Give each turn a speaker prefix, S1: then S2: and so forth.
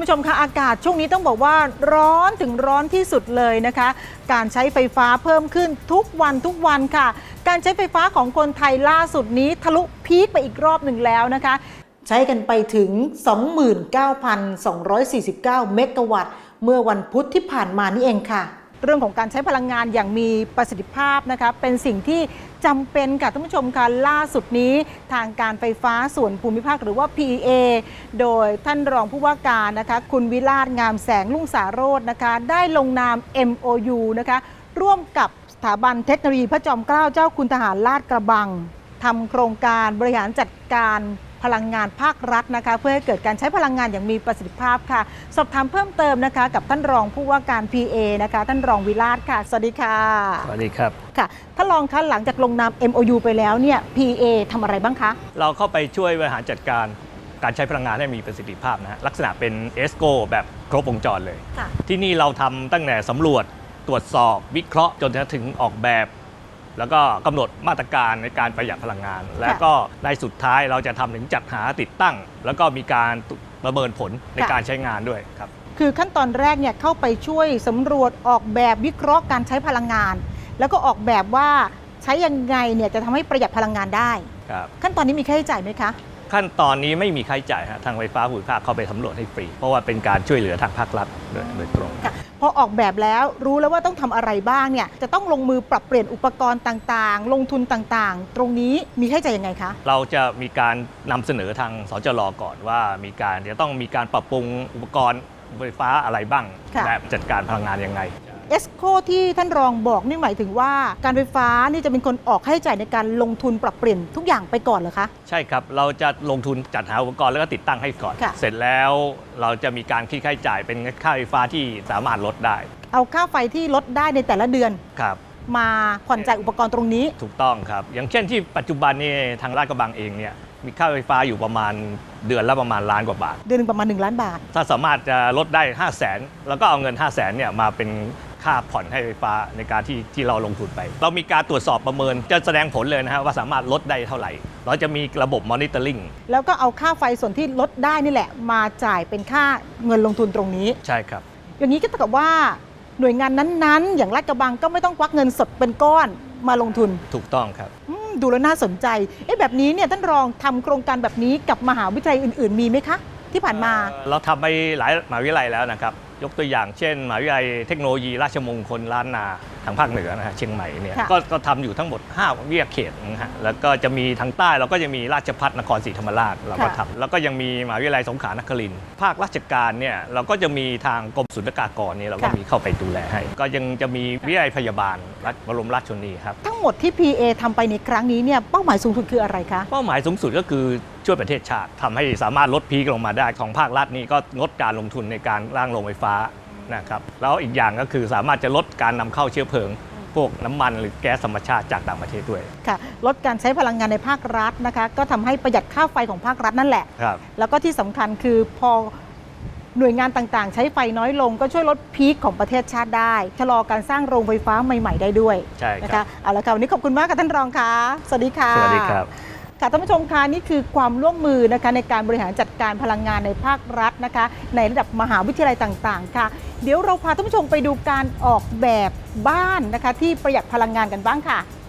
S1: ผู้ชมคะอากาศช่วงนี้ต้องบอกว่าร้อนถึงร้อนที่สุดเลยนะคะการใช้ไฟฟ้าเพิ่มขึ้นทุกวันค่ะการใช้ไฟฟ้าของคนไทยล่าสุดนี้ทะลุพีคไปอีกรอบหนึ่งแล้วนะคะใช้กันไปถึง 29,249 เมกะวัตต์เมื่อวันพุธที่ผ่านมานี่เองค่ะเรื่องของการใช้พลังงานอย่างมีประสิทธิภาพนะคะเป็นสิ่งที่จำเป็นค่ะท่านผู้ชมค่ะล่าสุดนี้ทางการไฟฟ้าส่วนภูมิภาคหรือว่า PEA โดยท่านรองผู้ว่าการนะคะคุณวิราชงามแสงลุ่งสาโรจน์นะคะได้ลงนาม MOU นะคะร่วมกับสถาบันเทคโนโลยีพระจอมเกล้าเจ้าคุณทหารลาดกระบังทำโครงการบริหารจัดการพลังงานภาครัฐนะคะเพื่อให้เกิดการใช้พลังงานอย่างมีประสิทธิภาพค่ะสอบถามเพิ่มเติมนะคะกับท่านรองผู้ว่าการ PA นะคะท่านรองวิราชค่ะสวัสดีค่ะ
S2: สวัสดีครับ
S1: ค่ะท่านรองคะหลังจากลงนาม MOU ไปแล้วเนี่ย PA ทำอะไรบ้างคะ
S2: เราเข้าไปช่วยบริหารจัดการการใช้พลังงานให้มีประสิทธิภาพนะฮะลักษณะเป็น ESCO แบบครบวงจรเลยที่นี่เราทำตั้งแต่สำรวจตรวจสอบวิเคราะห์จนถึงออกแบบแล้วก็กำหนดมาตรการในการประหยัดพลังงานและก็ในสุดท้ายเราจะทำถึงจัดหาติดตั้งแล้วก็มีการประเมินผลในการใช้งานด้วยครับ
S1: คือขั้นตอนแรกเนี่ยเข้าไปช่วยสำรวจออกแบบวิเคราะห์การใช้พลังงานแล้วก็ออกแบบว่าใช้ยังไงเนี่ยจะทำให้ประหยัดพลังงานได้ขั้นตอนนี้มีค่าใช้จ่ายไหมคะ
S2: ขั้นตอนนี้ไม่มีค่าใช้จ่ายทางไฟฟ้าภูมิภาคเข้าไปสำรวจให้ฟรีเพราะว่าเป็นการช่วยเหลือทางภาครัฐโดยตรง
S1: พอออกแบบแล้วรู้แล้วว่าต้องทำอะไรบ้างเนี่ยจะต้องลงมือปรับเปลี่ยนอุปกรณ์ต่างๆลงทุนต่างๆตรงนี้มีค่าใช้จ่ายยังไงคะ
S2: เราจะมีการนำเสนอทางสจร.ก่อนว่าจะต้องมีการปรับปรุงอุปกรณ์ไฟฟ้าอะไรบ้างและจัดการพลังงานยังไง
S1: ESCO ที่ท่านรองบอกนี่หมายถึงว่าการไฟฟ้านี่จะเป็นคนออกค่าใช้จ่ายในการลงทุนปรับเปลี่ยนทุกอย่างไปก่อนเหรอคะ
S2: ใช่ครับเราจะลงทุนจัดหาอุปกรณ์แล้วก็ติดตั้งให้ก่อนเสร็จแล้วเราจะมีการคิดค่าใช้จ่ายเป็นค่าไฟฟ้าที่สามารถลดได้
S1: เอาค่าไฟที่ลดได้ในแต่ละเดือน
S2: ครับ
S1: มาผ่อนจ่ายอุปกรณ์ตรงนี้
S2: ถูกต้องครับอย่างเช่นที่ปัจจุบันนี้ทางลาดกระบังเองเนี่ยมีค่าไฟฟ้าอยู่ประมาณเดือนละประมาณล้านกว่าบาท
S1: เดือนนึงประมาณ1 ล้านบาท
S2: ถ้าสามารถจะลดได้ 500,000 แล้วก็เอาเงิน 500,000 เนี่ยมาเป็นค่าผ่อนให้ไฟฟ้าในการที่เราลงทุนไปเรามีการตรวจสอบประเมินจะแสดงผลเลยนะฮะว่าสามารถลดได้เท่าไหร่เราจะมีระบบมอนิเตอร์ลิง
S1: แล้วก็เอาค่าไฟส่วนที่ลดได้นี่แหละมาจ่ายเป็นค่าเงินลงทุนตรงนี้
S2: ใช่ครับ
S1: อย่างนี้ก็เท่ากับว่าหน่วยงานนั้นๆอย่างลาดกระบังก็ไม่ต้องควักเงินสดเป็นก้อนมาลงทุน
S2: ถูกต้องครับ
S1: ดูแล้วน่าสนใจแบบนี้เนี่ยท่านรองทำโครงการแบบนี้กับมหาวิทยาลัยอื่นๆมีไหมคะที่ผ่านมา
S2: เราทำไปหลายมหาวิทยาลัยแล้วนะครับยกตัวอย่างเช่นมหาวิทยาลัยเทคโนโลยีราชมงคลล้านนาทางภาคเหนือนะฮะเชียงใหม่เนี่ยก็ทำอยู่ทั้งหมด5วิทยาเขตนะฮะแล้วก็จะมีทางใต้เราก็จะมีราชภัฏนครศรีธรรมราชเราก็ทำแล้วก็ยังมีมหาวิทยาลัยสงขลานครินทร์ภาคราชการเนี่ยเราก็จะมีทางกรมศุลกากรเนี่ยเราก็มีเข้าไปดูแลให้ก็ยังจะมีวิทยาลัยพยาบาลบรมราชชนนีครับ
S1: ทั้งหมดที่ PA ทำไปในครั้งนี้เนี่ยเป้าหมายสูงสุดคืออะไรคะ
S2: เป้าหมายสูงสุดก็คือช่วยประเทศชาติทำให้สามารถลดพีคลงมาได้ของภาครัฐนี่ก็งดการลงทุนในการร่างโรงไฟฟ้านะครับแล้วอีกอย่างก็คือสามารถจะลดการนำเข้าเชื้อเพลิงพวกน้ำมันหรือแก๊สธรรมชาติจากต่างประเทศด้วย
S1: ค่ะลดการใช้พลังงานในภาครัฐนะคะก็ทำให้ประหยัดค่าไฟของภาครัฐนั่นแหละ
S2: ครับ
S1: แล้วก็ที่สำคัญคือพอหน่วยงานต่างๆใช้ไฟน้อยลงก็ช่วยลดพีคของประเทศชาติได้ชะลอการสร้างโรงไฟฟ้าใหม่ๆได้ด้วย
S2: ใช่
S1: นะคะเอาละค่ะวันนี้ขอบคุณมากค่ะท่านรองค่ะสวัสดีค่ะ
S2: สวัสดีครับ
S1: ค่ะท่านผู้ชมคะนี่คือความร่วมมือนะคะในการบริหารจัดการพลังงานในภาครัฐนะคะในระดับมหาวิทยาลัยต่างๆค่ะเดี๋ยวเราพาท่านผู้ชมไปดูการออกแบบบ้านนะคะที่ประหยัดพลังงานกันบ้างค่ะ